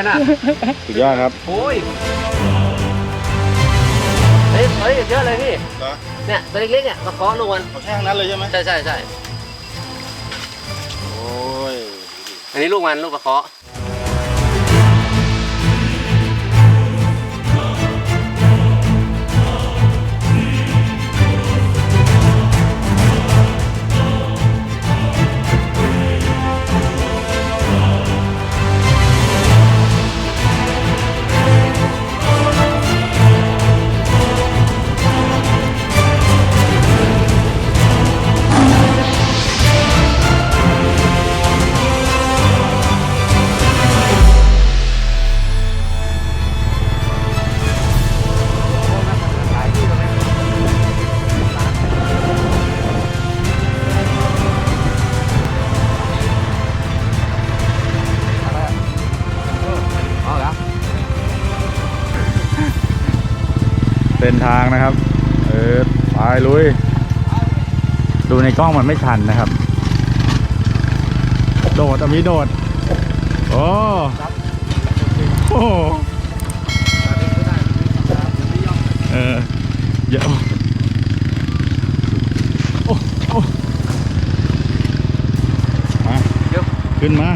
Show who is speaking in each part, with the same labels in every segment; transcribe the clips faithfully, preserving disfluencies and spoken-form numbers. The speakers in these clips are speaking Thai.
Speaker 1: น่ะ
Speaker 2: สุดยอดครับ
Speaker 1: โอ้ยเฮ้ยเฮ้ยเยอะเลยพี่เนี่ยตัวเล็กๆเนี่ยมาเคาะลูกมัน
Speaker 2: เขาแช่งนั้นเลยใช่ไหม
Speaker 1: ใช่ใช่ใช่
Speaker 2: โอ้ย
Speaker 1: อันนี้ลูกมันลูกมาเคาะ
Speaker 2: เป็นทางนะครับเออไปลุยดูในกล้องมันไม่ทันนะครับโดดมีโดดโอ้โหเออเยอะโอ้โอ้มาขึ้นมา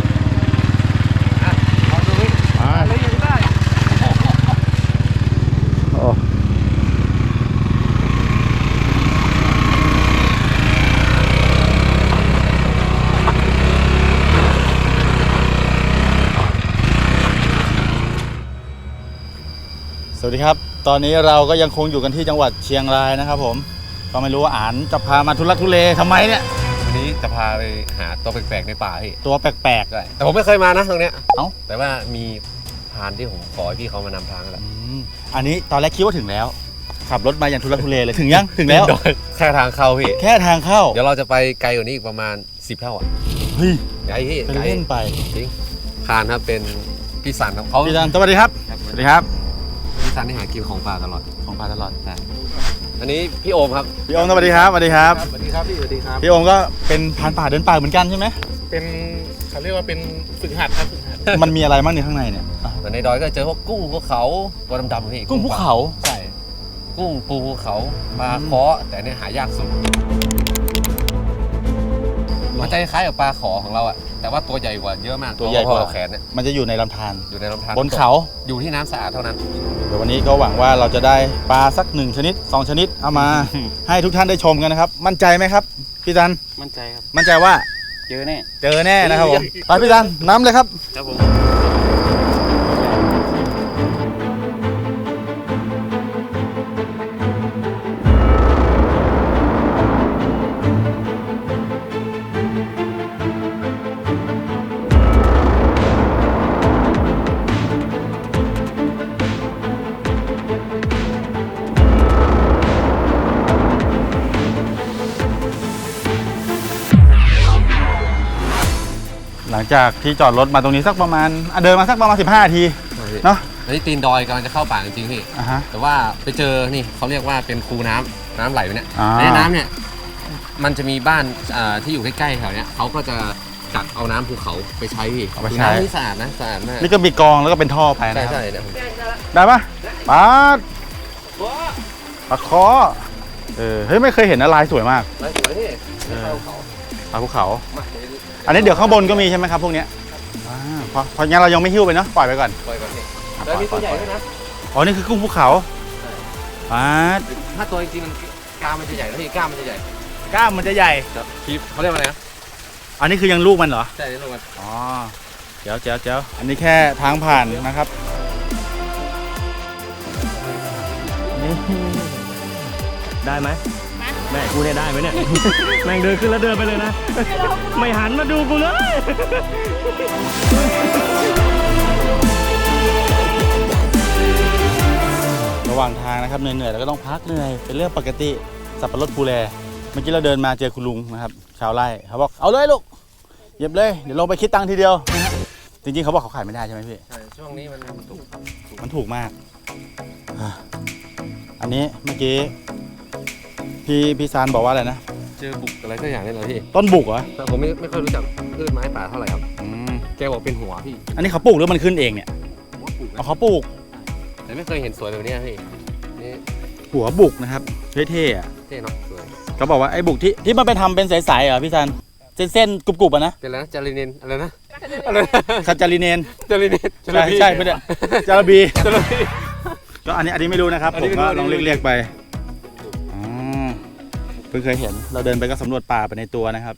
Speaker 2: สวัสดีครับตอนนี้เราก็ยังคงอยู่กันที่จังหวัดเชียงรายนะครับผมก็ไม่รู้ว่าอ่านจะพามาทุลักทุเลทำไมเนี่ย
Speaker 1: วันนี้จะพาไปหาตัวแปลกๆในป่าพี่
Speaker 2: ตัวแปลกๆ
Speaker 1: ใช่แต่ผมไม่เคยมานะตรงเนี้ย
Speaker 2: เอ้า
Speaker 1: แต่ว่ามีพานที่ผมขอให้พี่เขามานำทางแหละ
Speaker 2: อันนี้ตอนแรกคิดว่าถึงแล้วขับรถมาอย่างทุลักทุเลเลยถึงยังถึงแล้ว
Speaker 1: แค่ทางเข้าพี่
Speaker 2: แค่ทางเข้า
Speaker 1: เดี๋ยวเราจะไปไกลกว่านี้อีกประมาณสิบเท่าอ่ะ
Speaker 2: เฮ้ย
Speaker 1: ไกลพี่
Speaker 2: ไกลเล่นไป
Speaker 1: จริงพานครับเป็นพี่สันครับเขา
Speaker 2: พี่สันสวัสดีครับสวัสดีครับ
Speaker 1: พี่สันที่หากินของป่าตลอด
Speaker 2: ของป่าตลอดใช่
Speaker 1: อันนี้พี่โอมครับ
Speaker 2: พี่โอมสวัสดีครับสวัสดีครับ
Speaker 3: สวัสดีครับพี่สวัสดีครับ
Speaker 2: พี่โอมก็เป็นพานป่าเดินป่าเหมือนกันใช่ไหม
Speaker 3: เป็นเขาเรียกว่าเป็นฝึกหัดครับฝึกหัด
Speaker 2: มันมีอะไรบ้างในข้างในเนี่ย
Speaker 1: ในดอยก็เจอพวกกุ้งภูเขาตัวดำๆพี่
Speaker 2: กุ้งภูเขา
Speaker 1: ใช่กุ้งปูภูเขาปลาเคาะแต่เนี่ยหายากสุดมันจะคล้ายกับปลาขอของเราอะแต่ว่าตัวใหญ่กว่าเยอะมาก
Speaker 2: ตัวใหญ่กว่า
Speaker 1: แขนเนี่ย
Speaker 2: มันจะอยู่ในลำธาร
Speaker 1: อยู่ในลำธาร
Speaker 2: บนเขา
Speaker 1: อยู่ที่น้ำสะอาดเท่านั้น
Speaker 2: เดี๋ยววันนี้ก็หวังว่าเราจะได้ปลาสักหนึ่งชนิดสองชนิดเอามา ให้ทุกท่านได้ชมกันนะครับมั่นใจไหมครับพี่จัน
Speaker 3: มั่นใจครับ
Speaker 2: มั่นใจว่า
Speaker 3: เจอแน่
Speaker 2: เจอแน่นะครับผมไปพี่จันน้ำเลยครับ
Speaker 3: ครับผม
Speaker 2: หลังจากที่จอดรถมาตรงนี้สักประมาณเดินมาสักประมาณสิบห้านาทีเนาะ
Speaker 1: อันนี้ตีนดอยกำลังจะเข้าป่าจริงๆพี่แต่ว่าไปเจอนี่เขาเรียกว่าเป็นคูน้ำน้ำไหลไปเนี่ยในน้ำเนี่ยมันจะมีบ้านที่อยู่ใกล้ๆแถวเนี้ยเขาก็จะจัดเอาน้ำภูเขาไปใช้พี่น้ำที่สะอาดนะสะอาดมาก
Speaker 2: นี่ก็มีกองแล้วก็เป็นท่อไปนะ
Speaker 1: ใช่ใช่เนี่ย
Speaker 2: ได้ปะปลาปลาคอเออเฮ้ยไม่เคยเห็นนะลายสวยมาก
Speaker 1: ลายสวยที่
Speaker 2: ปลาภูเขาอันนี้เดี๋ยวข้างบนก็มีใช่ไหมครับพวกนี้เพราะเพราะงั้นเรายังไม่หิ้วไปเนาะปล่อยไปก่อน
Speaker 1: ปล่อยก่อนพี่แล้วมีตัวใหญ่ด้วยนะ
Speaker 2: อ๋อนี่คือกุ้งภูเขาอ่า
Speaker 1: ถ้าตัวจริงๆมันกล้ามมันจะใหญ่แล้วพี่กล้ามมันจะใหญ่
Speaker 2: กล้ามมันจะใหญ่
Speaker 1: ครับพี่เขาเรียกว่าอะไรนะ
Speaker 2: อันนี้คือยังลูกมันเหรอ
Speaker 1: ใช่ลูกมัน
Speaker 2: อ๋อเจ๋วเจ๋วเจ๋วอันนี้แค่ทางผ่านนะครับ
Speaker 3: ได้ไหมแม่กูเนี่ยได้ไหมเนี่ยแม่งเดินขึ้นแล้วเดินไปเลยนะไม่หันมาดูกูเลย
Speaker 2: ระหว่างทางนะครับเหนื่อยๆแล้วก็ต้องพักเหนื่อยเป็นเรื่องปกติสับปะรดภูแลเมื่อกี้เราเดินมาเจอคุณลุงนะครับชาวไร่เขาบอกเอาเลยลูกเย็บเลยเดี๋ยวลงไปคิดตังค์ทีเดียวจริงๆเขาบอกเขาขายไม่ได้ใช่ไหมพี่
Speaker 1: ใช่ช่วงนี้มันถูก
Speaker 2: มันถูกมากอันนี้เมื่อกี้พี่พี่ซานบอกว่าอะไรนะ
Speaker 1: เจอบุกอะไรสักอย่างนี่เหรอพี่
Speaker 2: ต้นบุกเหรอ
Speaker 1: ผมไม่ไม่ค่อยรู้จักพืชไม้ป่าเท่าไหร่ครับ
Speaker 2: อืม
Speaker 1: แกบอกเป็นหัวพี่
Speaker 2: อันนี้เขาปลูกหรือมันขึ้นเองเนี่ย
Speaker 1: หัวปลูก
Speaker 2: เอาเขาปลูก
Speaker 1: แต่ไม่เคยเห็นสวยแบบนี้พี่นี่
Speaker 2: หัวบุกนะครับเท่ๆอ่ะ
Speaker 1: เท่เนาะสวย
Speaker 2: เขาบอกว่าไอ้บุกที่ที่มันไปทำเป็นใสๆเหรอพี่ซันเส้นๆกรุบๆอ่ะนะ
Speaker 1: เป็นอะไรนะจาริเนนอะไรนะอะไรนะ
Speaker 2: คาจาริเนน
Speaker 1: จาริเนน
Speaker 2: ใช่ใช่ไม่ได้จาระบี
Speaker 1: จาริเนน
Speaker 2: ก็อันนี้อันนี้ไม่รู้นะครับ
Speaker 1: อัน
Speaker 2: ผ
Speaker 1: นี้
Speaker 2: ม
Speaker 1: ไม่รู้
Speaker 2: ก็
Speaker 1: อันนี้
Speaker 2: ลอง
Speaker 1: ไม่รู้
Speaker 2: เรียกๆไปอ๋อเพิ่งเคยเห็นเราเดินไปก็สำรวจป่าไปในตัวนะครับ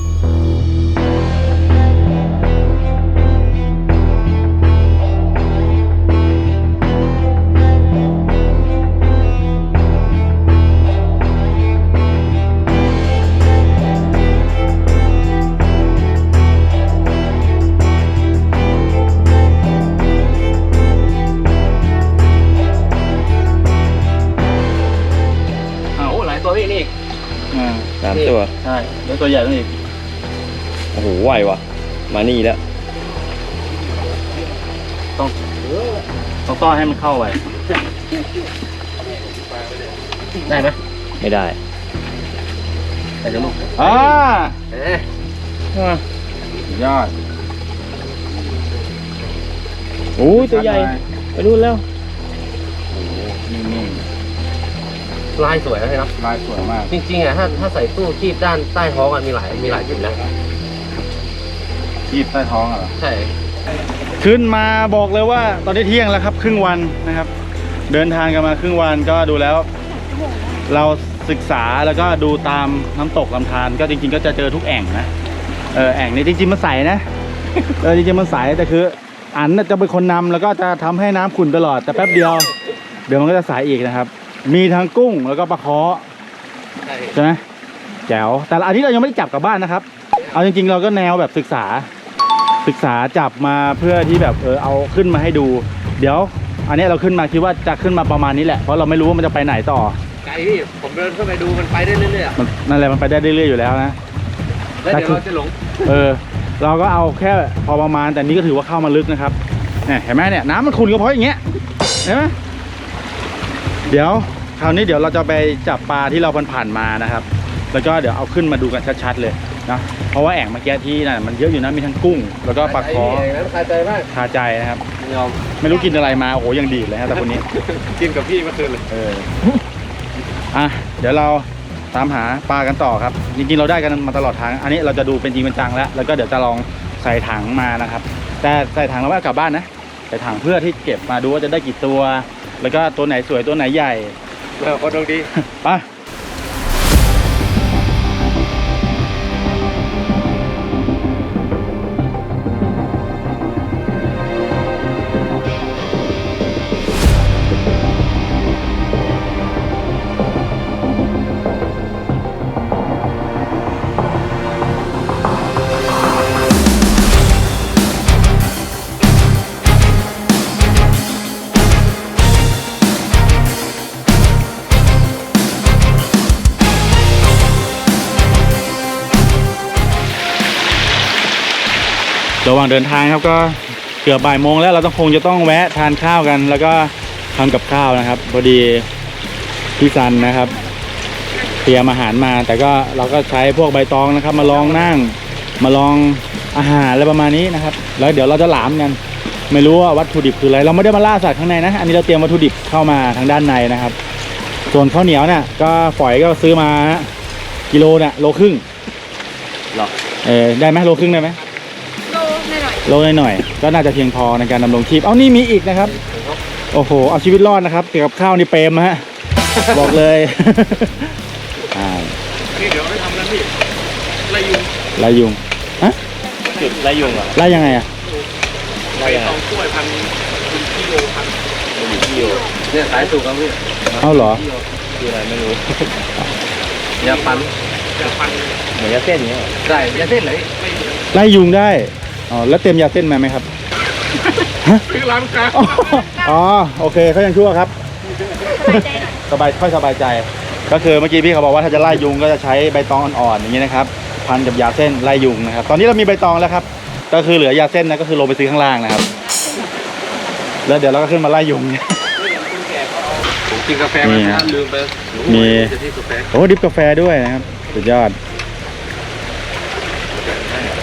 Speaker 1: ตัวพี่นี่
Speaker 2: อ่า
Speaker 3: สามตัว
Speaker 2: ใช่แล้วตัวใหญ่ต้องอีก
Speaker 3: โอ้โหไวว่ะมานี่แล้ว
Speaker 2: ต้องต้องต้อนให้มันเข้าไป
Speaker 1: ได้ไหม
Speaker 3: ไม่ได้
Speaker 1: ได้จะลูก
Speaker 2: อ่า
Speaker 1: เอ๊ะ
Speaker 2: สุดยอด
Speaker 3: โอ้ยตัวใหญ่ไปนู่นแล้ว
Speaker 2: นี่นี่
Speaker 1: ลายสวยนะพี่เนาะ
Speaker 2: ลายสวยมาก
Speaker 1: จริงๆอ่ะถ้าถ้าใส่ตู้คีบด้านใต้ท้องอ่ะมีหลายมีหลายจุดนะ
Speaker 2: คีบใต้ท้องเหรอ
Speaker 1: ใช่
Speaker 2: ขึ้นมาบอกเลยว่าตอนนี้เที่ยงแล้วครับครึ่งวันนะครับ เดินทางกันมาครึ่งวันก็ดูแล้ว เราศึกษาแล้วก็ดูตามน้ำตกลำธารก็จริงๆก็จะเจอทุกแอ่งนะเออแอ่งนี้จริงๆมันใสนะเออจริงๆมันใสแต่คืออันน่ะจะเป็นคนนำแล้วก็จะทำให้น้ำขุ่นตลอดแต่แป๊บเดียว เดี๋ยวมันก็จะใสอีกนะครับ มีทั้งกุ้งแล้วก็ปลาเคาะ
Speaker 1: ใช่
Speaker 2: ใช่ไหมแจ๋วแต่อันนี้เรายังไม่ได้จับกลับบ้านนะครับเอาจริงๆเราก็แนวแบบศึกษา ศึกษาจับมาเพื่อที่แบบเออเอาขึ้นมาให้ดู เดี๋ยว อันนี้เราขึ้นมาคิดว่าจะขึ้นมาประมาณนี้แหละเพราะเราไม่รู้ว่ามันจะไปไหนต่อ
Speaker 1: ไกลพี่ผมเดินเข้าไปดูมันไปได้เรื่อยๆอะ
Speaker 2: มันนั่นแหละมันไปได้เรื่อยๆอยู่แล้วนะ
Speaker 1: แล้วเดี๋ยวเราจะหลง
Speaker 2: เออเราก็เอาแค่พอประมาณแต่นี้ก็ถือว่าเข้ามาลึกนะครับเนี่ยเห็นไหมเนี่ยน้ำมันขุ่นก็เพราะอย่างเงี้ยเห็นไหมเดี๋ยวคราวนี้เดี๋ยวเราจะไปจับปลาที่เราผ่านๆมานะครับ แล้วก็เดี๋ยวเอาขึ้นมาดูกันชัดๆเลยนะเพราะว่าแอ่งเมื่อกี้ที่นั่นมันเยอะอยู่นะมีทั้งกุ้ง แล้วก็ปลาคอ
Speaker 1: นั้นคาใจมาก
Speaker 2: คาใจนะครับ
Speaker 1: ยอม
Speaker 2: ไม่รู้กินอะไรมาโอ้โหยังดีดเลยฮะแต่คนนี้
Speaker 1: กินกับพี่เมื่อคืนเลย
Speaker 2: เอออ่ะเดี๋ยวเราตามหาปลากันต่อครับจริงๆเราได้กันมาตลอดทางอันนี้เราจะดูเป็นจริงเป็นจังแล้วแล้วก็เดี๋ยวจะลองใส่ถังมานะครับ แต่ใส่ถังเราไม่เอากลับบ้านนะใส่ถังเพื่อที่เก็บมาดูว่าจะได้กี่ตัว แล้วก็ตัวไหนสวยตัวไหนใหญ่
Speaker 1: เราก็ดวงดี
Speaker 2: ไประหว่างเดินทางครับก็เกือบบ่ายโมงแล้วเราต้องคงจะต้องแวะทานข้าวกัน แล้วก็ทำกับข้าวนะครับพอดีพี่ซันนะครับเตรียมอาหารมา แต่ก็เราก็ใช้พวกใบตองนะครับ มาลองนั่งมาลองอาหารอะไรประมาณนี้นะครับ แล้วเดี๋ยวเราจะหลามกันไม่รู้ว่าวัตถุดิบคืออะไรเราไม่ได้มาล่าสัตว์ข้างในนะอันนี้เราเตรียมวัตถุดิบเข้ามาทางด้านในนะครับ ส่วนข้าวเหนียวเนี่ยก็ฝอยก็ซื้อมากิโลเนี่ยโลครึ่ง
Speaker 3: หรอ
Speaker 2: เออได้ไหมโลครึ่งได้ไหมโลหน่อยๆก็น่าจะเพียงพอในการดำรงชีพเอานี่มีอีกนะครับโอ้โหเอาชีวิตรอดนะครับเกี่ยวกับข้าวนี่เปรมฮะ บอกเลยอ่า
Speaker 1: นี่เดี๋ยวไม่ทำแล้วพี่ไล่ยุง
Speaker 2: ไล่ยุงฮะ
Speaker 3: จุดไรยุงเหรอ
Speaker 2: ไล่ยังไงอ่ะ
Speaker 1: ไล่ตองกล้วยพันคุณกิโลพัน
Speaker 3: ที่อยู่
Speaker 1: เนี่ยสายสูงครับพี่
Speaker 2: เอาเหรอ
Speaker 3: คืออะไรไม่รู้
Speaker 1: ยาพันยาพัน
Speaker 3: เหมือนยาเส้นอย่างเงี้ยเหรอ
Speaker 1: ใช่ยาเส้นเลย
Speaker 2: ไล่ยุงได้อ๋อแล้วเต็มยาเส้นมาไหมครับฮะ
Speaker 1: คือร้านค้า
Speaker 2: อ๋อโอเคเขายังชั่วครับสบายค่อยสบายใจก็คือเมื่อกี้พี่เขาบอกว่าถ้าจะไล่ยุงก็จะใช้ใบตองอ่อนๆอย่างนี้นะครับพันกับยาเส้นไล่ยุงนะครับตอนนี้เรามีใบตองแล้วครับก็คือเหลือยาเส้นนะก็คือลงไปซื้อข้างล่างนะครับแล้วเดี๋ยวเราก็ขึ้นมาไล่ยุง
Speaker 1: ผมกินกาแฟมานะลืมไป
Speaker 2: มี
Speaker 1: จะที่กาแฟ
Speaker 2: โอ้ดิบกาแฟด้วยนะครับสุดยอด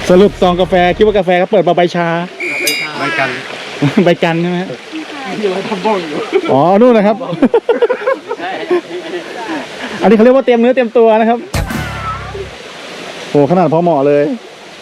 Speaker 2: สรุปซองกาแฟคิดว่ากาแฟก็เปิดมาใบชา
Speaker 1: ใบกัน
Speaker 2: ใบกันใช่ไหมที่เราทำบ้องอยู่อ๋อนู่นนะครับอันนี้เขาเรียกว่าเตรียมเนื้อเตรียมตัวนะครับโหขนาดพอเหมาะเลย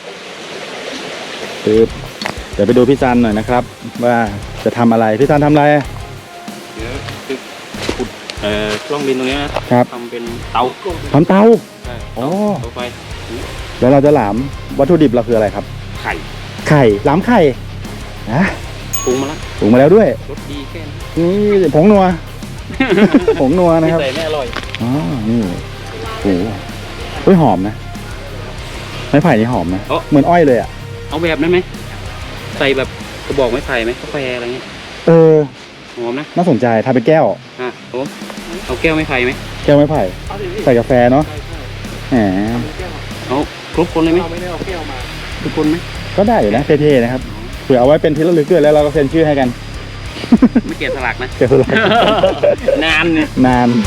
Speaker 2: คือเดี๋ยวไปดูพี่ซันหน่อยนะครับ ว่าจะทำอะไรพี่ซันทำอะไร
Speaker 3: เดี๋ยวจะขุดเอ่อกล้องบินตรงนี้นะครับ ทำเป็นเตา
Speaker 2: ทำเตา
Speaker 3: ใช่
Speaker 2: อ๋อ
Speaker 3: เตาไฟ
Speaker 2: แล้วเราจะหลามวัตถุดิบเราคืออะไรครับ
Speaker 3: ไข่
Speaker 2: ไข่หลามไข่นะ
Speaker 3: ปรุงมาแล้ว
Speaker 2: ปรุงมาแล้วด้วย
Speaker 3: รสดีแค่นี้
Speaker 2: นี่ผงนัว ผงนัวนะครับ
Speaker 3: ใส่ไม่อร่อย
Speaker 2: อ๋อนี่โอ้โหเฮ้ยหอมนะไม้ไผ่นี่หอมนะเหมือนอ้อยเลยอ่ะ
Speaker 3: เอาแบบนั้นไหมใส่แบบกระบอกไม้ไผ่ไหมกาแฟอะไรเงี้ย
Speaker 2: เออ
Speaker 3: หอมนะ
Speaker 2: น่าสนใจทำเป็นแก้ว
Speaker 3: อ่ะโอ้เอาแก้วไม้ไผ่ไหม
Speaker 2: แก้วไม้ไผ่ใส่กาแฟเนาะแหม
Speaker 3: เอาครบคนเลยไหมทุกคนไหม
Speaker 2: ก็ได้อยู่นะเท่ๆนะครับเผื่อเอาไว้เป็นที่ระลึกด้วยแล้วเราก็เซ็นชื่อให้กัน
Speaker 3: ไม่เกลียดสลักนะ
Speaker 2: เกี่ยวกับอะไร
Speaker 3: นานเนี่ย
Speaker 2: นาน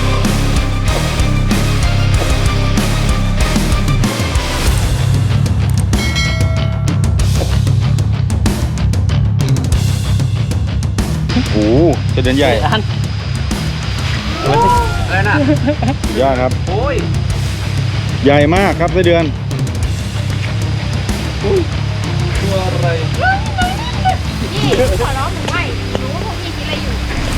Speaker 2: โอ้โหจะเดินใหญ่
Speaker 3: อัน
Speaker 1: อะไรนะ
Speaker 2: ยอดครับ
Speaker 1: โอ้ย
Speaker 2: ใหญ่มากครับไส้เดือน
Speaker 1: ตัวอะไร
Speaker 4: นี่ขอร้องหนูไม่รู้ว่าพวกพี่คิดอะไรอยู่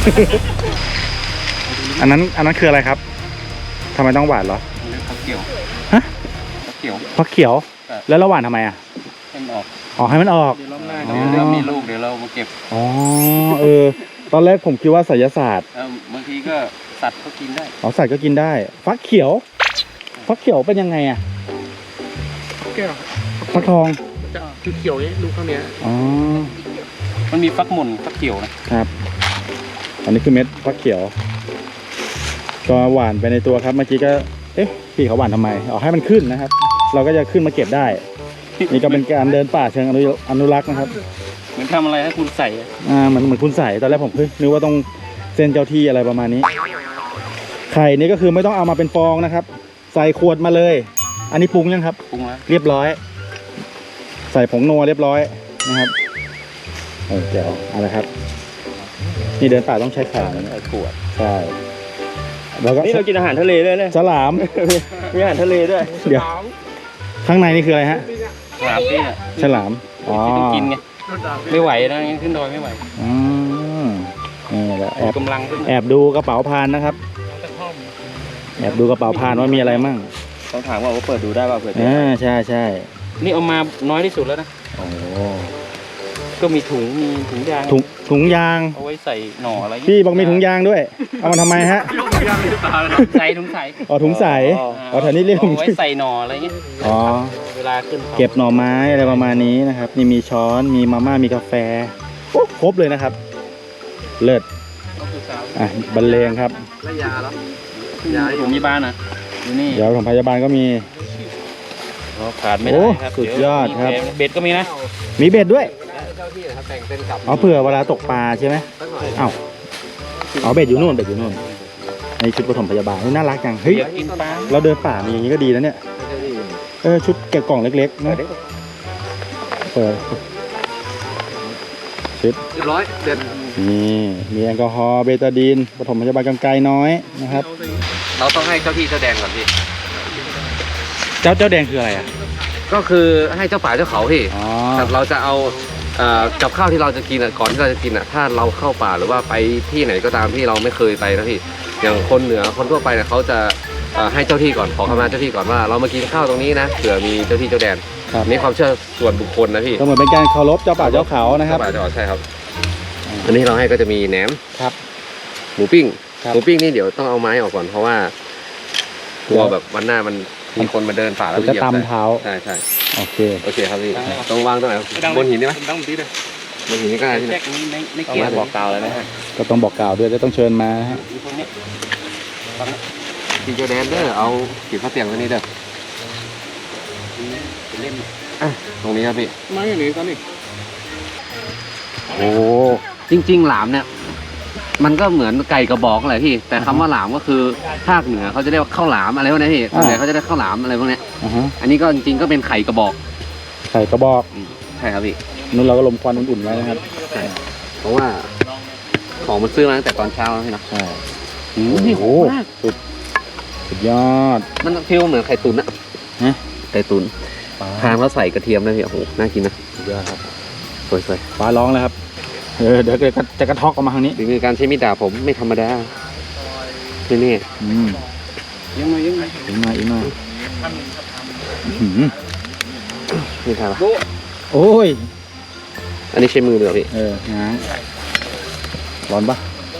Speaker 2: อันนั้นอันนั้นคืออะไรครับทำไมต้องหวานเหรอ
Speaker 3: ผักเขียว
Speaker 2: ฮะ
Speaker 3: ผักเขียว
Speaker 2: ฟักเขียว
Speaker 3: ใช่
Speaker 2: แล้วเราหวานทำไมอ่ะ
Speaker 3: ให้มันออก
Speaker 2: อ๋อให้มันออก
Speaker 3: เดี๋ยวรอบหน้า
Speaker 2: อ๋อ
Speaker 3: เดี๋ยวเริ่มมีลูกเดี๋ยวเรามาเก็บ
Speaker 2: อ๋อเออตอนแรกผมคิดว่าไสยศาสตร์
Speaker 3: เออบางทีก็สัตว์ก็กินได้
Speaker 2: อ๋อใส่ก็กินได้ ฟักเขียว ฟักเขียวเป็นยังไงอ่ะ
Speaker 3: แก้ว
Speaker 2: ฟักทอง
Speaker 3: จะคือเขียวนี้ลูกข้างเนี้ย
Speaker 2: อ๋อ
Speaker 3: มันมีฟักหม่นฟักเขียวนะครับ
Speaker 2: อันนี้คือเม็ดฟักเขียว ก็หวานไปในตัวครับเมื่อกี้ก็เอ๊ะพี่เขาหวานทำไมอ๋อให้มันขึ้นนะครับ เราก็จะขึ้นมาเก็บได้ นี่ก็เป็นการเดินป่าเชิงอนุอนุรักษ์นะครับ
Speaker 3: เหมือนทำอะไรให้คุณใส่อะ
Speaker 2: อ่าเหมือนเหมือนคุณใส่ตอนแรกผมเฮ้ยนึกว่าต้องเส้นเจ้าที่อะไรประมาณนี้ ไข่นี่ก็คือไม่ต้องเอามาเป็นฟองนะครับ ใส่ขวดมาเลย อันนี้ปรุงยังครับ
Speaker 3: ปรุงแล้ว
Speaker 2: เรียบร้อย ใส่ผงนัวเรียบร้อยนะครับเออเจ๋วเอาละครับ นี่เดินป่าต้องใช้ไข่นะ
Speaker 3: ใส่ขวด
Speaker 2: ใช่แล้วก็
Speaker 3: นี่เรากินอาหารทะเลด้วยเนี่ย
Speaker 2: ฉลาม
Speaker 3: มีอาหารทะเลด้วย
Speaker 2: เดี๋ยวข้างในนี่คืออะไรฮะ
Speaker 3: ฉลามพี่อ่ะ
Speaker 2: ฉลามอ๋อ
Speaker 3: ที่ต้องกินไงไม่ไหวนะงั้นขึ้นดอยไม่ไหว
Speaker 2: อืมนี่แหละแอบ
Speaker 3: กำลังขึ้น
Speaker 2: แอบดูกระเป๋าพานนะครับ แอบดูกระเป๋าพานว่ามีอะไรมั่ง
Speaker 3: ต้องถามว่าว่าเปิดดูได้ป่ะเปิด
Speaker 2: อ่าใช่ใช่
Speaker 3: นี่เอามาน้อยที่สุดแล้วนะ
Speaker 2: โอ้
Speaker 3: ก็มีถุงมีถุงยาง
Speaker 2: ถุงถุงยาง
Speaker 3: เอาไว้ใส่หน่ออะไร
Speaker 2: พี่บอกมีถุงยางด้วย เอามาทำไมฮะ
Speaker 3: ใส่ถุงใส่
Speaker 2: อ๋อถุงใสอ๋อแถวนี้เรียกถุง
Speaker 3: เอาไว้ใส่หน่ออะไรเงี้ย
Speaker 2: อ๋อ
Speaker 3: เวลาขึ้นเขา
Speaker 2: เก็บหน่อไม้อะไรประมาณนี้นะครับนี่มีช้อนมีมาม่ามีกาแฟโอ้ครบเลยนะครับ เลิศ
Speaker 3: ก็คือสาว
Speaker 2: อ่ะบรรเลงครับ
Speaker 1: แล้วยาแล้ว
Speaker 3: ยาผมมีบ้านนะอยู่นี่
Speaker 2: เดี๋ยวของพยาบาลก็มี
Speaker 3: เราขาดไม่ได้ครับ
Speaker 2: โอ้สุดยอดครับ
Speaker 3: เยวมีเบ็ดก็มีนะ
Speaker 2: มีเบ็ดด้วย
Speaker 1: เจ้าที่นะครับแต่งเป็นกับ
Speaker 2: อ๋อเผื่อเวลาตกปลาใช่ไหม
Speaker 1: สักหน่อย
Speaker 2: อ้าวอ๋อเบ็ดอยู่นู่นเบ็ดอยู่นู่นในชุดปฐมพยาบาลเฮ้ยน่ารักจังเฮ้ย
Speaker 3: เดี๋ยวกินปลา
Speaker 2: เราเดินป่ามีอย่างนี้ก็ดีนะเนี่ยเออชุดแกะกล่องเล็กๆนะเปิดชุด
Speaker 1: เรียบร้อยเด็ด
Speaker 2: นี่มีแอลกอฮอล์เบตาดีนปฐมพยาบาลกำไกน้อยนะครับ
Speaker 1: เราต้องให้เจ้าที่เจ้าแดงก่อนพี่
Speaker 2: เจ้าเจ้าแดงคืออะไรอ่ะ
Speaker 1: ก็คือให้เจ้าป่าเจ้าเขาพี่
Speaker 2: อ๋อ
Speaker 1: แต่เราจะเอาเอ่อกับข้าวที่เราจะกินอ่ะก่อนที่เราจะกินอ่ะถ้าเราเข้าป่าหรือว่าไปที่ไหนก็ตามที่เราไม่เคยไปนะพี่อย่างคนเหนือคนทั่วไปเนี่ยเขาจะเอ่อให้เจ้าที่ก่อนขอขมาเจ้าที่ก่อนว่าเรามากินข้าวตรงนี้นะเผื่อมีเจ้าที่เจ้าแดน
Speaker 2: ครับ
Speaker 1: นี่ความเชื่อส่วนบุคคลนะพี่
Speaker 2: ก็เหมือนเป็นการเคารพเจ้าป่าเจ้าเขานะครับ
Speaker 1: เจ้าป่าเจ้าเขาใช่ครับอันนี้เราให้ก็จะมีแหนม
Speaker 2: ครับ
Speaker 1: หมูปิ้ง
Speaker 2: ครับ
Speaker 1: หมูปิ้งนี่เดี๋ยวต้องเอาไม้ออกก่อนเพราะว่ากลัวแบบวันหน้ามันมีคนมาเดินป่าแล้ว
Speaker 2: จะ
Speaker 1: เหยียบ
Speaker 2: ตำเท้า
Speaker 1: ใช่ใช่
Speaker 2: โอเค
Speaker 1: โอเคครับพี่ต้องวางตรงไหนบนหินได้ไหม
Speaker 3: ต้องตีเลย
Speaker 1: บนหินนี่ก็ได้ที่ไหน
Speaker 3: แจ็คนี้ไม่ไม่เกี่ยวบอกกล่าวเลยนะฮะ
Speaker 2: ก็ต้องบอกกล่าวด้วยจะต้องเชิญมาฮะ
Speaker 3: อยู่ตรงนี้
Speaker 1: ที่เจ้าแดนเด้อเอาขีดผ้าเตียงไว้นี่เด้อ
Speaker 3: เป็นเล่ม
Speaker 1: อ่ะตรงนี้ครับพี่
Speaker 3: ไม้อย่างนี้ตอนนี้
Speaker 2: โอ้
Speaker 1: จริง ๆ หลามเนี่ย มันก็เหมือนไก่กระบอกแหละพี่ แต่คำว่าหลามก็คือภาคเหนือเขาจะเรียกว่าข้าวหลามอะไรพวกนี้พี่ส่วนใหญ่เขาจะได้ข้าวหลามอะไรพวกเนี้ย
Speaker 2: อ่าฮะ
Speaker 1: อันนี้ก็จริงๆก็เป็นไข่กระบอก
Speaker 2: ใส่กระบอก
Speaker 1: ใช่ครับพี่
Speaker 2: นู้นเราก็ลมควันอุ่นๆไว้นะครับ
Speaker 1: ใช่เพราะว่าของมันซื้อมาตั้งแต่ตอนเช้าแล้วพี่เนาะ
Speaker 2: ใช่
Speaker 1: โอ้โห
Speaker 2: สุดสุดยอด
Speaker 1: มันฟีลเหมือนไข่ตุ๋นอะ
Speaker 2: ฮะ
Speaker 1: ไข่ตุ๋น
Speaker 2: ปลา
Speaker 1: ทานแล้วใส่กระเทียมด้วยพี่โอ้โหน่ากินนะ
Speaker 2: สุดยอดครับ
Speaker 1: สวย
Speaker 2: ปลาร้องเลยครับเออเดี๋ยวจะจะกระทอกออกมาทางนี้
Speaker 1: ๆฝีมือการใช้มีดดาบผมไม่ธรรมดานี่นี่
Speaker 2: อืมยังไงยังไงอีกหน่อยอีกหน่อยอื้อหือ
Speaker 1: นี่ทานปะ
Speaker 2: โอ้ย
Speaker 1: อันนี้ใช้มือเลยเหรอพี่
Speaker 2: เออง้างร้อนปะ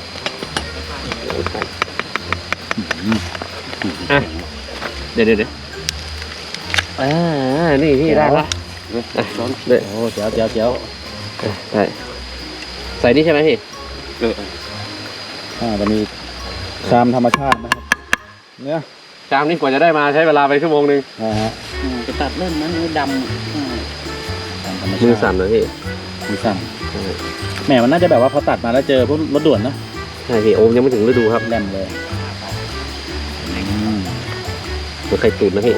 Speaker 1: อ่ะเดี๋ยวเดี๋ยวเดี๋ยวอ่านี่พี่ได้ละอ่ะร้อนเดี๋ยว
Speaker 2: โอ้เจียวเจียวเจียว
Speaker 1: ใช่ใส่นี่ใช่ไหมพี่
Speaker 2: อ่าจะมีชามธรรมชาตินะครับเนี่ย
Speaker 1: ชามนี่กว่าจะได้มาใช้เวลาไปชั่วโมงนึง
Speaker 2: นะฮะ
Speaker 5: จะตัดเล่นนั้นมือด
Speaker 2: ชามธรรมชาติ
Speaker 1: มือสั่นเลยพี่
Speaker 2: มือสั่นแหมมันน่าจะแบบว่าพอตัดมาแล้วเจอพวกรถด่วนนะ
Speaker 1: ใช่พี่โอมยังไม่ถึงฤดูครับ
Speaker 2: แหลมเลยอืม
Speaker 1: เหมือนไข่ตุ๋นนะพี่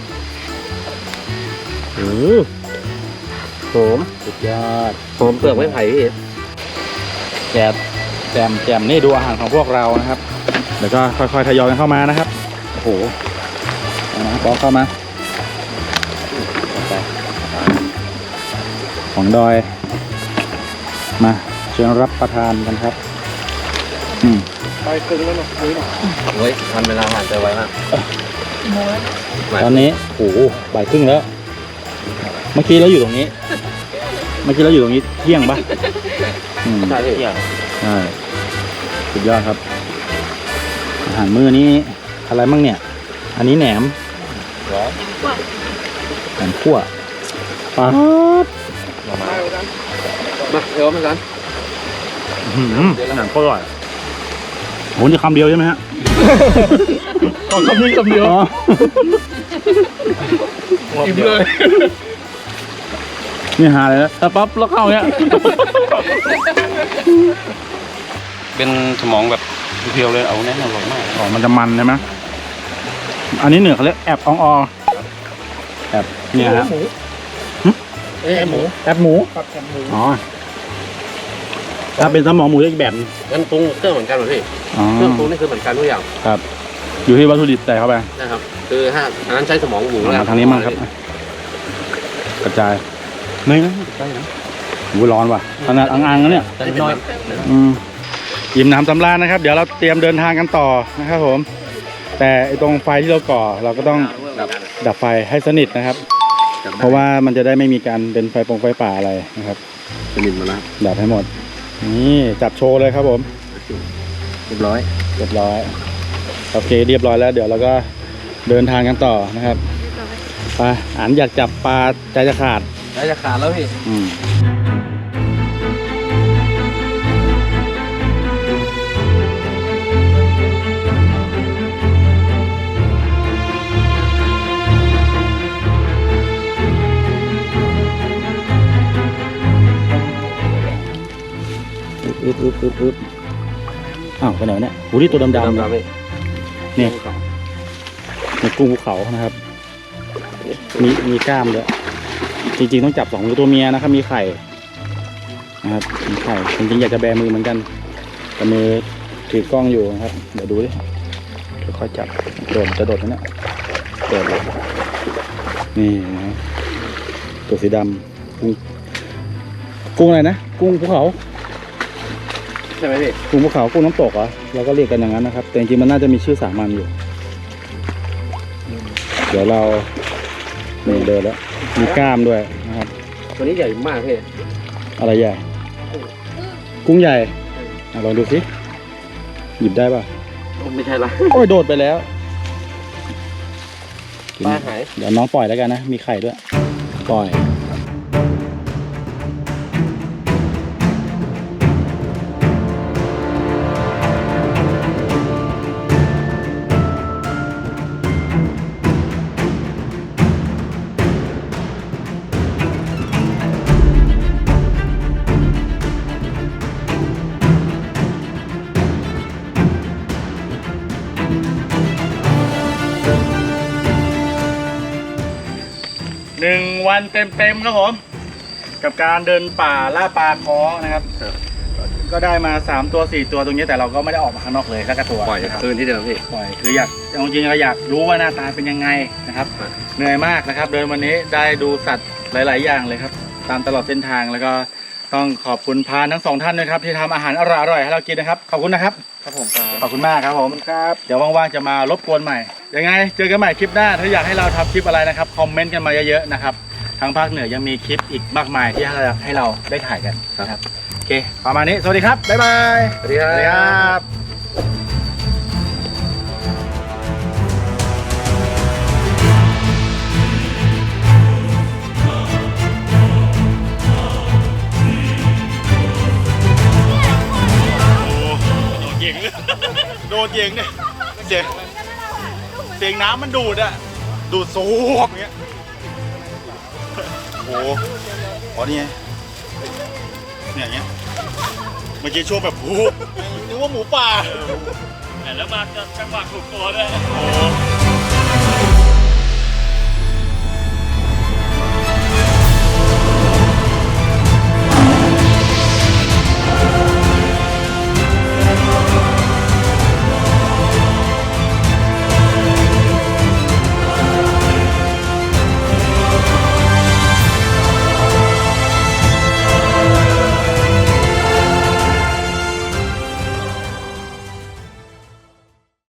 Speaker 1: อืมหอม
Speaker 2: สุดยอด
Speaker 1: หอมเปลือกไม้ไผ่พี่
Speaker 2: แจมแจมแจมนี่ดูอาหารของพวกเรานะครับเดี๋ยวก็ค่อยๆทยอยกันเข้ามานะครับโอ้โหเอานะบอสเข้ามาไปของดอยมาเชิญรับประทานกันครับอืม
Speaker 1: โอ้ยวันเวลาผ่านไปไวมาก
Speaker 2: ตอนนี้โอ้โหบ่ายครึ่งแล้ว เมื่อกี้เราอยู่ตรงนี้ เมื่อกี้เราอยู่ตรงนี้เที่ยงปะอืม
Speaker 1: ใช่พี่
Speaker 2: ใช่สุดยอดครับ อาหารมื้อนี้อะไรมั่งเนี่ย อันนี้แหนมแหนมขั่วปลา
Speaker 1: มาเดี๋ยวมากัน
Speaker 2: อื้อหือหนังก็อร่อยโหนี่คำเดียวใช่ไหมฮะ
Speaker 3: ต้องคำนี้คำเดียว
Speaker 2: อ๋อ
Speaker 3: อิ่มเลย
Speaker 2: นี่หาเลยนะถ้าปั๊บแล้วเข้าเนี้ย
Speaker 3: เป็นสมองแบบเพียวเลยเอาแน่นอนมาก
Speaker 2: อ๋อมันจะมันใช่ไหมอันนี้เหนือเขาเรียกแอบอองอแอบเนี่ยฮะ
Speaker 3: เอ้หมู
Speaker 2: แอบหมู
Speaker 3: ปักแกมหมู
Speaker 2: อ๋อถ้าเป็นสมองหมูจะอีกแบบนึง
Speaker 1: งั้นปรุงเครื่องเหมือนกันเหรอพี่
Speaker 2: อ๋อ
Speaker 1: เครื่องปรุงนี่คือเหมือนกันทุกอย่าง
Speaker 2: ครับ อยู่ที่วัตถุดิบใส่เข้าไป
Speaker 1: นะครับ คือถ้าอันนั้นใช้สมองหมูแล้ว
Speaker 2: มาทางนี้มั่งครับ กระจายไม่นะใกล้นะหูร้อนว่ะขนาดอ่างๆแล้วเนี่ย
Speaker 1: แต่น้อย
Speaker 2: อืมอิ่มน้ำสำราญนะครับ เดี๋ยวเราเตรียมเดินทางกันต่อนะครับผม แต่ไอ้ตรงไฟที่เราก่อเราก็ต้องดับไฟให้สนิทนะครับ เพราะว่ามันจะได้ไม่มีการเป็นไฟปงไฟป่าอะไรนะครับ
Speaker 1: สนิทมาแล้ว
Speaker 2: ดับให้หมดนี่จับโชว์เลยครับผม
Speaker 1: เรียบร้อย
Speaker 2: เรียบร้อยโอเคเรียบร้อยแล้ว เดี๋ยวเราก็เดินทางกันต่อนะครับไปอ่านอยากจับปลาใจจะขาด
Speaker 1: ได้จะขาดแล้วพี่
Speaker 2: อืมอึ๊บอึ๊บอึ๊บอึ๊บอ้าวไปไหนวะเนี่ยโหที่ตัวดำๆ
Speaker 1: ดำ
Speaker 2: เนี่ย
Speaker 1: ๆพี่
Speaker 2: เนี่ยในกุ้งภูเขานะครับ มีมีกล้ามด้วยจริงๆต้องจับสองมือตัวเมียนะครับ มีไข่นะครับมีไข่จริงๆอยากจะแบมือเหมือนกันแต่มือถือกล้องอยู่นะครับ เดี๋ยวดูดิค่อยๆจับโดดจะโดดนะเนี่ยโดดเลยนี่นะตัวสีดำกุ้งกุ้งอะไรนะกุ้งภูเขา
Speaker 1: ใช่ไหมพี่
Speaker 2: กุ้งภูเขากุ้งน้ำตกเหรอเราก็เรียกกันอย่างนั้นนะครับ แต่จริงๆมันน่าจะมีชื่อสามัญอยู่ เดี๋ยวเรานี่เดินแล้วมีกล้ามด้วยนะครับ
Speaker 1: ตัวนี้ใหญ่มากพี่
Speaker 2: อะไรใหญ่ กุ้งใหญ่อ่ะลองดูสิหยิบได้ป่ะ
Speaker 1: ไม่ใช่ละ
Speaker 2: โอ้ยโดดไปแล้ว
Speaker 1: ปลาหาย
Speaker 2: เดี๋ยวน้องปล่อยแล้วกันนะ มีไข่ด้วย ปล่อยหนึ่งวันเต็มๆครับผมกับการเดินป่าล่าปลาคอนะครับก็ได้มาสามตัวสี่ตัวตรงนี้แต่เราก็ไม่ได้ออกมาข้างนอกเลยสักตัว
Speaker 1: ปล่อย
Speaker 2: นะครับ
Speaker 1: คืนที่เดิมพี่
Speaker 2: ปล่อยคืออยากจริงๆเราอยากรู้ว่าหน้าตาเป็นยังไงนะครับเหนื่อยมากนะครับเดินวันนี้ได้ดูสัตว์หลาย ๆ อย่างเลยครับตามตลอดเส้นทางแล้วก็ต้องขอบคุณพานทั้งสองท่านนะครับที่ทำอาหารอร่อยๆให้เรากินนะครับขอบคุณนะครับครับผมขอบคุณมากครับผมครับเดี๋ยวว่างๆจะมารบกวนใหม่ยังไงเจอกันใหม่คลิปหน้าถ้าอยากให้เราทำคลิปอะไรนะครับคอมเมนต์กันมาเยอะๆนะครับทางภาคเหนือยังมีคลิปอีกมากมายที่ให้เราได้ถ่ายกันนะครับโอเคประมาณนี้สวัสดีครับบ๊ายบาย
Speaker 1: สวัสดีครับ
Speaker 2: โดนเยงเลยโดนเยงเนี่ยเสียงเสียงน้ำมันดูดอะดูดสูบอย่างเงี้ยโอ้โหอ๋อนี่ไงเนี่ยอย่างเงี้ยเมื่อกี้ช่วงแบบโอ้โหนึกว่าหมูป่า
Speaker 3: แล้วมาจังหวะถูกตัวด้วย
Speaker 2: โอ้